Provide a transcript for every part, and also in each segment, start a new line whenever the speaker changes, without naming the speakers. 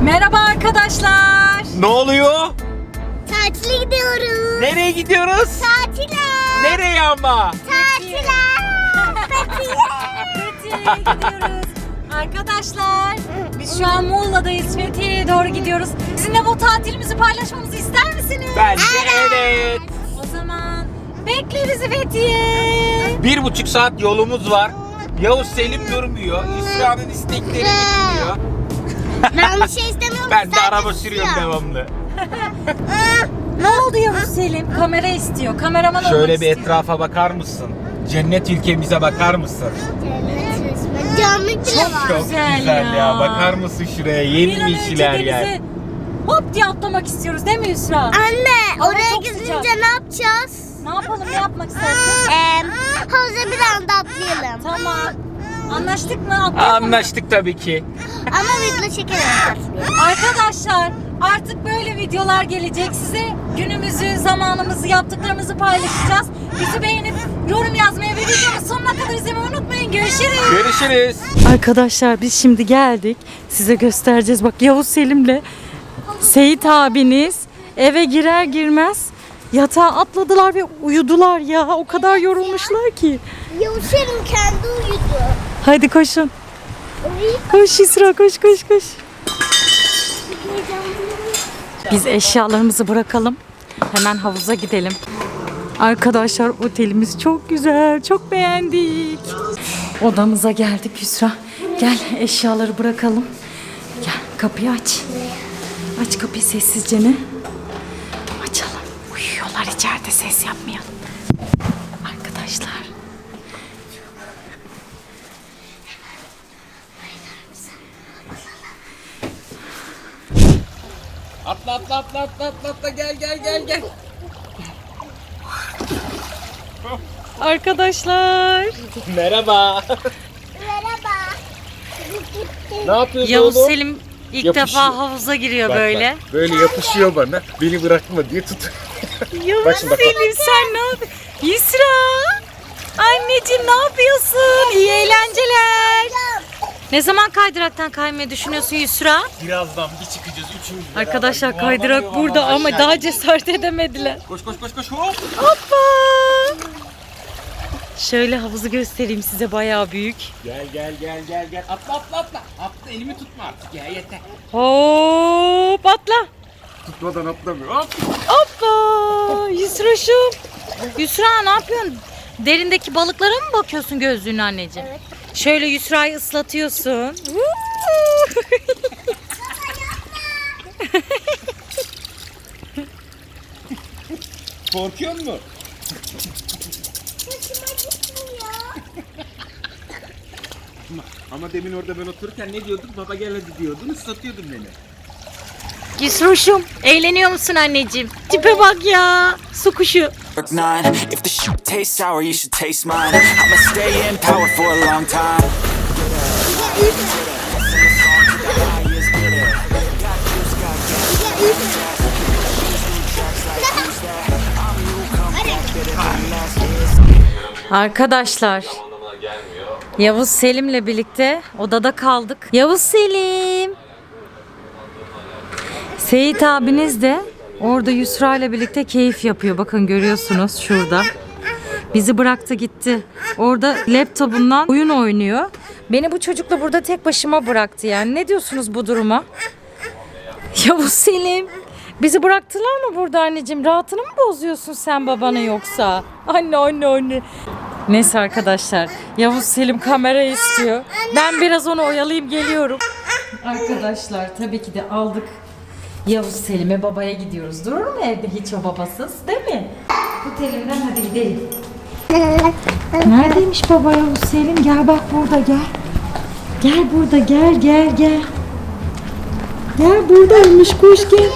Merhaba arkadaşlar.
Ne oluyor?
Tatile gidiyoruz.
Nereye gidiyoruz?
Tatile.
Nereye ama?
Tatile.
Fethiye'ye gidiyoruz. Arkadaşlar biz şu an Muğla'dayız. Fethiye'ye doğru gidiyoruz. Sizinle bu tatilimizi paylaşmamızı ister misiniz?
Bence evet.
O zaman bekle bizi Fethiye.
1,5 saat yolumuz var. Yavuz Selim durmuyor. İsra'nın istekleri bitmiyor.
Ben bir şey istemiyorum.
Ben de
Sadece
araba sürüyorum
istiyorum.
devamlı.
Ne oldu Yavuz Selim? Kamera istiyor. Kameraman olmak
Şöyle bir
istiyor.
etrafa bakar mısın? Cennet ülkemize bakar mısın?
Camlık bile var.
Çok
Güzel
güzel ya.
ya.
Bakar mısın şuraya?
Bir an önce
Yemyeşiller yer.
denize hop diye atlamak istiyoruz değil mi Yusra?
Anne
Hava
oraya
çok
gidince
sıcak.
ne yapacağız?
Ne yapalım, ne yapmak istersin?
Havuza bir anda atlayalım.
Tamam. Anlaştık mı? Atlayalım mı?
Anlaştık tabii ki.
Ama video çekelim.
Arkadaşlar artık böyle videolar gelecek. Size günümüzü, zamanımızı, yaptıklarımızı paylaşacağız. Bizi beğenip yorum yazmayı ve videonun sonuna kadar izlemeyi unutmayın. Görüşürüz.
Görüşürüz.
Arkadaşlar biz şimdi geldik. Size göstereceğiz. Bak Yavuz Selim'le Seyit abiniz eve girer girmez yatağa atladılar ve uyudular ya. O kadar yorulmuşlar ki.
Yavuşarım kendi uyudu.
Hadi koşun. Koş İsra, koş koş koş. Biz eşyalarımızı bırakalım. Hemen havuza gidelim. Arkadaşlar otelimiz çok güzel. Çok beğendik. Odamıza geldik Yusra. Gel eşyaları bırakalım. Gel kapıyı aç. Aç kapıyı sessizce ne? Açalım. Uyuyorlar içeride, ses yapmayalım. Arkadaşlar.
Atla gel.
Arkadaşlar.
Merhaba.
Merhaba.
Ne yapıyorsun
Yavuz
oğlum?
Selim ilk
Yapışıyor.
defa havuza giriyor
Bak,
böyle.
bak, böyle yapışıyor bana. Beni bırakma diye tut.
Yavuz
Bak şimdi, bak, bak.
Selim sen ne yapıyorsun? Yusra! Anneciğim ne yapıyorsun? İyi eğlenceler. Ne zaman kaydıraktan kaymayı düşünüyorsun Yusra?
Birazdan bir çıkacağız üçümüz.
Arkadaşlar
beraber.
kaydırak
Yuvarlanıyor
burada
havada
ama
aşağı
daha
gidiyor.
cesaret edemediler.
Koş hop.
Hoppa! Şöyle havuzu göstereyim size, bayağı büyük.
Gel. Atla. Atla, elimi tutma artık ya, yeter.
Hop atla.
Tutmadan atlamıyor. Hop.
Hoppa! Yusra'şım. Yusra ne yapıyorsun? Derindeki balıklara mı bakıyorsun gözlüğünü anneciğim?
Evet.
Şöyle Yusra'yı ıslatıyorsun.
Korkuyor musun? Ama demin orada ben otururken ne diyorduk? Baba gel hadi diyordun, ıslatıyordun beni.
Yusra'şım eğleniyor musun anneciğim? Tipe bak ya. Su kuşu.
Work 9. If the shit tastes sour, you should taste mine. I'ma stay in power for a long time.
Arkadaşlar Yavuz Selim'le birlikte odada kaldık. Yavuz Selim. Seyit abiniz de orada Yusra ile birlikte keyif yapıyor. Bakın görüyorsunuz şurada. Bizi bıraktı gitti. Orada laptopundan oyun oynuyor. Beni bu çocukla burada tek başıma bıraktı yani. Ne diyorsunuz bu duruma? Yavuz Selim. Bizi bıraktılar mı burada anneciğim? Rahatını mı bozuyorsun sen babanı yoksa? Anne. Neyse arkadaşlar. Yavuz Selim kamera istiyor. Ben biraz onu oyalayayım geliyorum. Arkadaşlar tabii ki de aldık. Yavuz Selim'e babaya gidiyoruz. Durur mu evde hiç o babasız değil mi? Otelimden hadi gidelim. Neredeymiş baba Yavuz Selim? Gel bak burada gel. Gel burada gel. Gel buradaymış koş gel.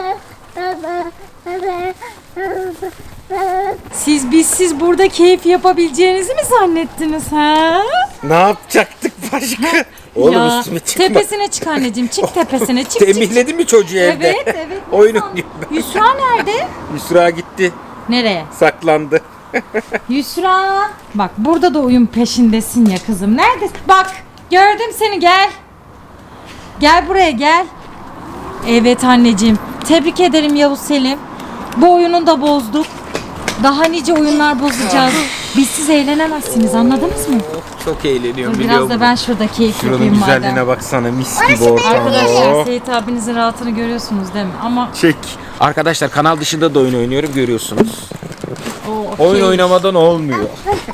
Siz burada keyif yapabileceğinizi mi zannettiniz ha?
Ne yapacaktık başka? Oğlum
Ya,
üstüme çıkma.
tepesine çık anneciğim. Çık tepesine çık.
Tembihledin mi çocuğu evde?
Evet.
Oyun
Yusra-
oynuyor.
Yusra nerede?
Yusra gitti.
Nereye?
Saklandı.
Yusra. Bak burada da oyun peşindesin ya kızım. Neredesin? Bak gördüm seni gel. Gel buraya gel. Evet anneciğim. Tebrik ederim Yavuz Selim. Bu oyunu da bozduk. Daha nice oyunlar bozacağız. Biz siz eğlenemezsiniz, anladınız mı?
Çok eğleniyorum
Dur,
biliyor
biraz da
musun?
ben şurada keyif
Şuranın
yapayım
güzelliğine
madem.
baksana, mis gibi ortam.
Arkadaşlar Seyit abinizin rahatını görüyorsunuz değil mi? Ama
Çek. Arkadaşlar kanal dışında da oyun oynuyorum, görüyorsunuz.
o
Oyun oynamadan olmuyor.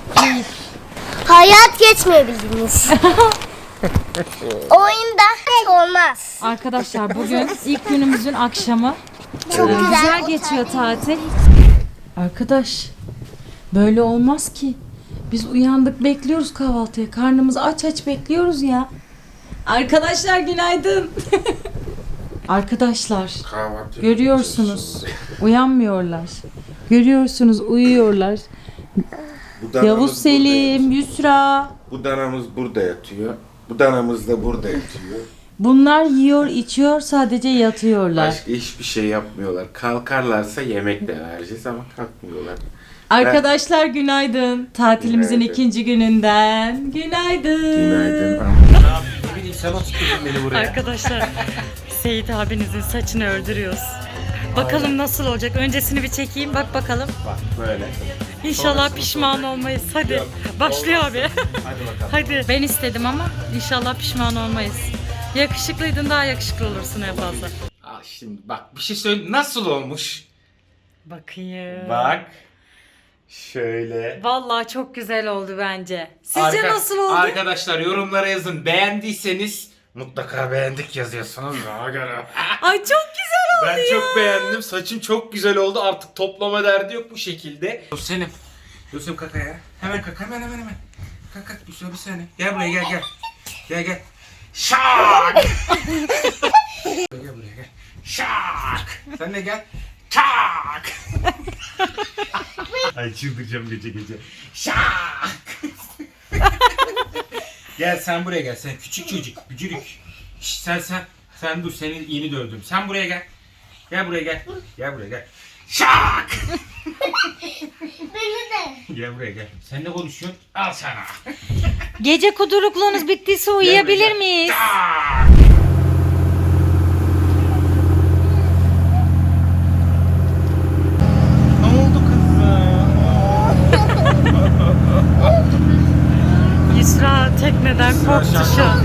Hayat geçmeyebildiniz. Oyunda hiç olmaz.
Arkadaşlar bugün ilk günümüzün akşamı.
Çok
Güzel geçiyor tatil. Arkadaş böyle olmaz ki. Biz uyandık bekliyoruz kahvaltıya. Karnımız aç aç bekliyoruz ya. Arkadaşlar günaydın. Arkadaşlar görüyorsunuz uyanmıyorlar. Görüyorsunuz uyuyorlar. Yavuz Selim, Yusra.
Bu danamız burada yatıyor. Bu danamız da burada yatıyor.
Bunlar yiyor içiyor sadece yatıyorlar.
Başka hiçbir şey yapmıyorlar. Kalkarlarsa yemek de vereceğiz ama kalkmıyorlar.
Arkadaşlar günaydın. Tatilimizin
Günaydın.
ikinci gününden. Günaydın.
Günaydın.
Ne bileyim, sen oturttun beni buraya.
Arkadaşlar Seyit abinizin saçını öldürüyoruz. Bakalım nasıl olacak. Öncesini bir çekeyim. Bak bakalım.
Bak böyle.
İnşallah pişman olmayız. Hadi. Başlıyor abi.
Hadi bakalım.
Hadi. Ben istedim ama inşallah pişman olmayız. Yakışıklıydın, daha yakışıklı olursun en fazla.
Al şimdi bak, bir şey söyle, nasıl olmuş?
Bakayım.
Bak. Şöyle.
Vallahi çok güzel oldu bence. Sizce nasıl oldu?
Arkadaşlar yorumlara yazın. Beğendiyseniz mutlaka beğendik yazıyorsunuz. Ona göre.
Ay çok güzel oldu
Ben çok beğendim. Saçım çok güzel oldu. Artık toplama derdi yok bu şekilde. Senin. Yusuf kaka ya. Hemen kaka, hemen. Kaka Yusuf, bir saniye. Gel buraya, gel. Gel. Şak! Gel buraya, gel. Şak! Sen de gel. Şak!
Ay çıldıracağım gece.
Şak! Gel sen buraya gel. Sen küçük çocuk. Bücürük. Şş, sen dur. Seni yeni dövdüm. Sen buraya gel. Gel buraya gel. Şak!
Beni de.
Gel buraya gel. Sen ne konuşuyorsun? Al sana.
Gece kudurukluğunuz bittiyse uyuyabilir miyiz?
Şak! Ne oldu kızım?
Yusra tekneden korktu şu an.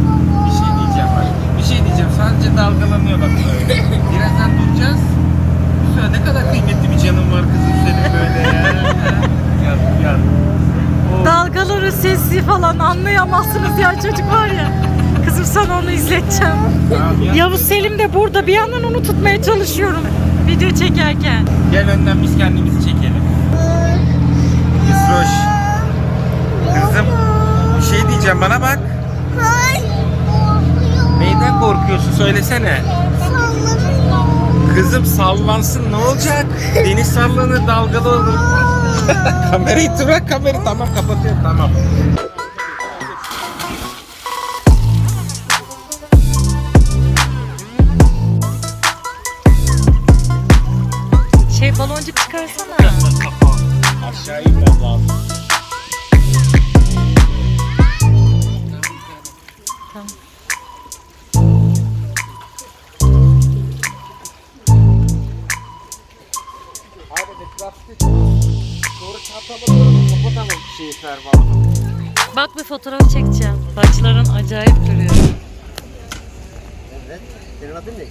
Bir şey diyeceğim. Sadece dalgalanıyor bak böyle. Birazdan duracağız. Yusra, ne kadar kıymetli bir canın var kızım senin böyle ya. Yat.
Dalgaları sesi falan anlayamazsınız ya, çocuk var ya. Kızım sana onu izleteceğim.
Tamam, yat.
Yavuz Selim de burada, bir yandan onu tutmaya çalışıyorum video çekerken.
Gel önden biz kendimizi çekelim. Yusroş. Kızım, bir şey diyeceğim, bana bak.
Hayır.
Neyden korkuyorsun, söylesene. Kızım sallansın, ne olacak? Deniz sallanır, dalgalı olur. Kamerayı bırak, kamerayı. Tamam, kapatıyorum, tamam.
Baloncuk çıkarsana.
Aşağı inmem lazım.
Bak bir fotoğraf çekeceğim. Saçların acayip duruyor.
Evet. Senin adın ne?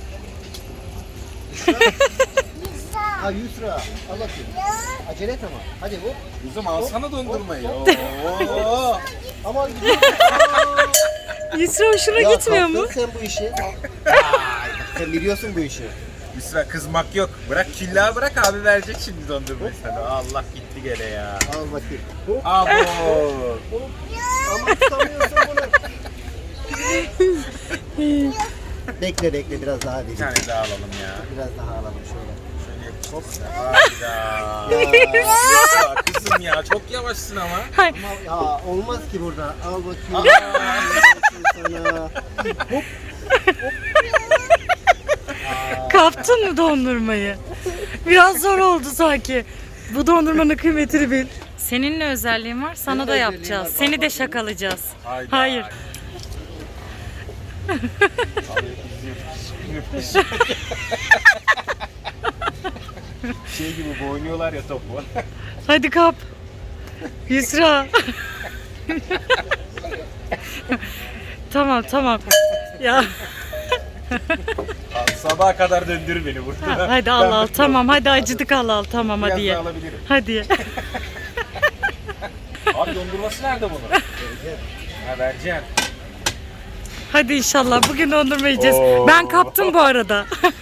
Ha Yusra. Al bakayım. Acele et ama. Hadi bu.
Kızım alsana dondurmayı.
Ama gidiyor.
Yusra hoşuna
Ya
gitmiyor mu?
kaptın sen bu işi. Sen biliyorsun bu işi.
Yusra, kızmak yok. Bırak küllağı, bırak, abi verecek şimdi dondurmayı sana. Allah gitti gene ya.
Al bakayım. Hop.
Abo.
Ama tutamıyorsun bunu. Bekle biraz daha
Bir
vereyim.
tane daha alalım ya.
Biraz daha alalım şöyle.
Hop. Hayda. Ya kızım ya, çok yavaşsın ama.
Ama ya olmaz ki burada. Al bakayım. Sana.
Kaptın mı dondurmayı? Biraz zor oldu sanki. Bu dondurmanın kıymetini bil. Senin ne özelliğin var? Sana da yapacağız. Seni de şakalayacağız.
Hayda.
Hayır.
Şey gibi oynuyorlar ya topu.
Hadi kap. Yusra. Tamam. Ya
Sabaha kadar döndür beni burada.
hadi al tamam, hadi acıdık al tamam hadi ye.
alabilirim.
Hadi ye.
Abi dondurması nerede bunun? Ha vereceğim.
Hadi inşallah bugün dondurma yiyeceğiz.
Oo.
Ben kaptım bu arada.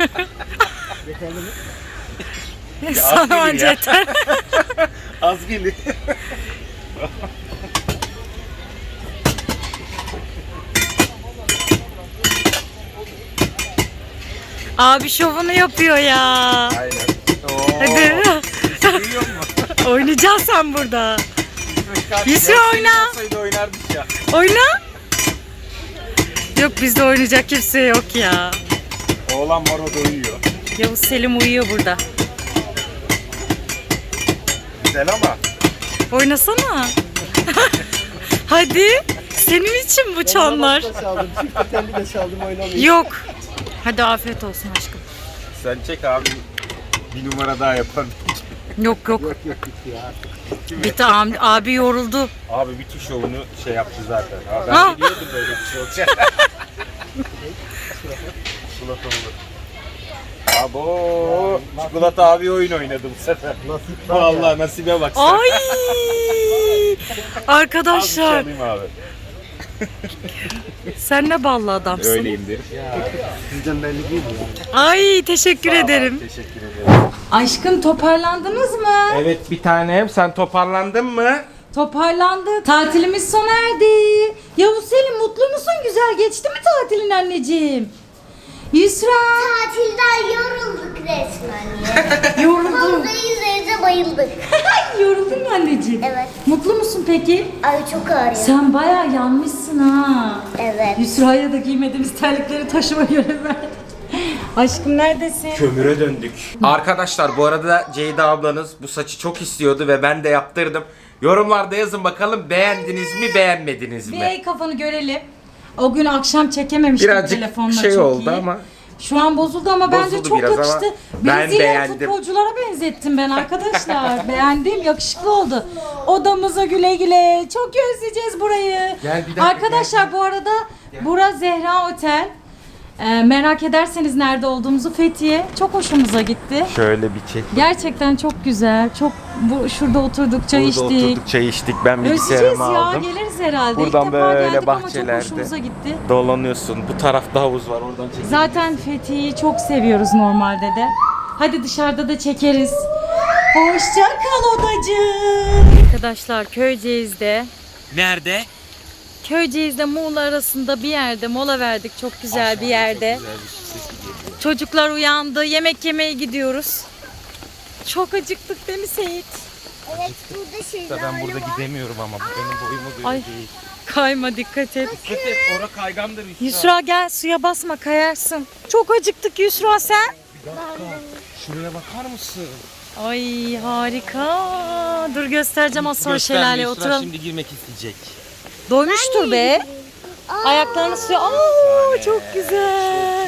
Sana
gelir
anca
ya.
yeter.
Az gelir.
Abi şovunu yapıyor ya.
Aynen. Oo.
Hadi.
Duyuyor musun?
Oynayacaksın sen burada. Yusra oyna.
Olsaydı oynardık ya.
Oyna. Yok bizde oynayacak kimse yok ya.
Oğlan var o da uyuyor.
Yavuz Selim uyuyor burada.
Güzel ama.
Oynasana. Hadi. Senin için bu çanlar.
Da çaldım. Çift telli de çaldım oynamıyorum.
Yok. Hadi afiyet olsun aşkım.
Sen çek abi. Bir numara daha yapalım.
Yok.
Yok bitti ya.
Bitti abi yoruldu.
Abi bütün şovunu şey yaptı zaten. Abi
Ha.
ben de biliyordum böyle bir şey olacak. Çikolata olur. Abo, çikolata abi oyun oynadı bu sefer.
Nasip var ya.
Vallahi nasibe bak sen.
Ay!
Az bir şey
Arkadaşlar
alayım abi.
sen ne ballı adamsın.
Öyleyimdir.
Sizden belli değil mi yani?
Ay teşekkür ederim.
Teşekkür ederim.
Aşkım toparlandınız mı?
Evet bir tanem, sen toparlandın mı?
Toparlandık. Tatilimiz sona erdi. Yavuz Selim mutlu musun? Güzel geçti mi tatilin anneciğim? Yusra.
Tatilden yorulduk resmen ya.
Yoruldum.
Havuzda yüzeyde bayıldık.
Yoruldun mu anneciğim?
Evet.
Mutlu musun peki?
Ay çok ağrıyor.
Sen bayağı yanmışsın ha.
Evet.
Yusra'ya da giymediğimiz terlikleri taşıma görevi verdik. Aşkım neredesin?
Kömüre döndük. Arkadaşlar bu arada Ceyda ablanız bu saçı çok istiyordu ve ben de yaptırdım. Yorumlarda yazın bakalım beğendiniz mi beğenmediniz
Bir
mi?
el kafanı görelim. O gün akşam çekememiştik
Birazcık
telefonla
şey
çok
oldu
iyi.
ama.
Şu an bozuldu ama bence
Bozuldu
çok
biraz ama
yakıştı.
ben
Brezilya
beğendim.
futbolculara benzettim ben arkadaşlar. Beğendim, yakışıklı oldu. Odamıza güle güle. Çok özleyeceğiz burayı.
Gel bir dakika,
Arkadaşlar bu arada bura Zehra Otel. Merak ederseniz nerede olduğumuzu Fethiye. Çok hoşumuza gitti.
Şöyle bir çek.
Gerçekten çok güzel. Çok şurada oturduk, çay
Burada
içtik.
oturduk çay içtik. Ben
Özleyeceğiz
bilgisayarımı
ya,
aldım.
geliriz herhalde.
Buradan
İlk defa
böyle
geldik ama
bahçelerde.
çok hoşumuza gitti.
Dolanıyorsun. Bu tarafta havuz var. Oradan çek.
Zaten Fethiye'yi çok seviyoruz normalde de. Hadi dışarıda da çekeriz. Hoşça kal odacığım. Arkadaşlar Köyceğiz'de.
Nerede?
Köyceğiz'de Muğla arasında bir yerde mola verdik. Çok güzel bir yerde. Çocuklar uyandı. Yemek yemeye gidiyoruz. Çok acıktık değil mi Seyit?
Evet burada şeyler
Ben burada gidemiyorum ama benim boyumu göre
Ay.
değil.
Kayma dikkat et.
Dikkat et, ora kaygandır Yusra.
Yusra gel suya basma kayarsın. Çok acıktık Yusra sen.
Şuraya bakar mısın?
Ay harika. Dur göstereceğim az sonra
Gösterme,
şelaleye
Yusra
oturalım.
şimdi girmek isteyecek.
Doymuştur be. Ayaklarını suya. Aa çok güzel.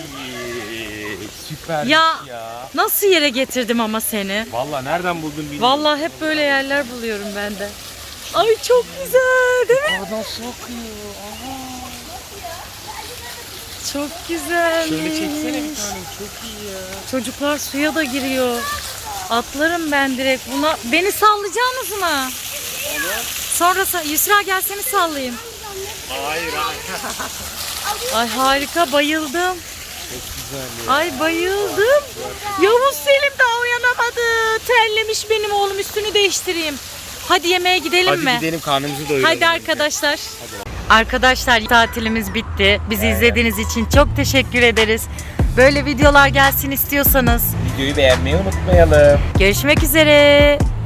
Süper
Ya nasıl yere getirdim ama seni.
Vallahi nereden buldun bilmiyorum.
Vallahi hep böyle yerler buluyorum ben de. Ay çok güzel değil mi?
Oradan su akıyor.
Çok güzel.
Şöyle çeksene bir tane, çok iyi ya.
Çocuklar suya da giriyor. Atlarım ben direkt buna. Beni sallayacaksınız mı? Sonra Yusra gel seni sallayayım.
Hayır hayır.
Ay harika bayıldım.
Çok güzel ya.
Ay bayıldım. Yavuz Selim daha uyanamadı. Terlemiş benim oğlum, üstünü değiştireyim. Hadi yemeğe gidelim
Hadi
mi?
gidelim karnımızı doyuralım.
Hadi arkadaşlar. Arkadaşlar tatilimiz bitti. Bizi izlediğiniz için çok teşekkür ederiz. Böyle videolar gelsin istiyorsanız
Videoyu beğenmeyi unutmayalım.
görüşmek üzere.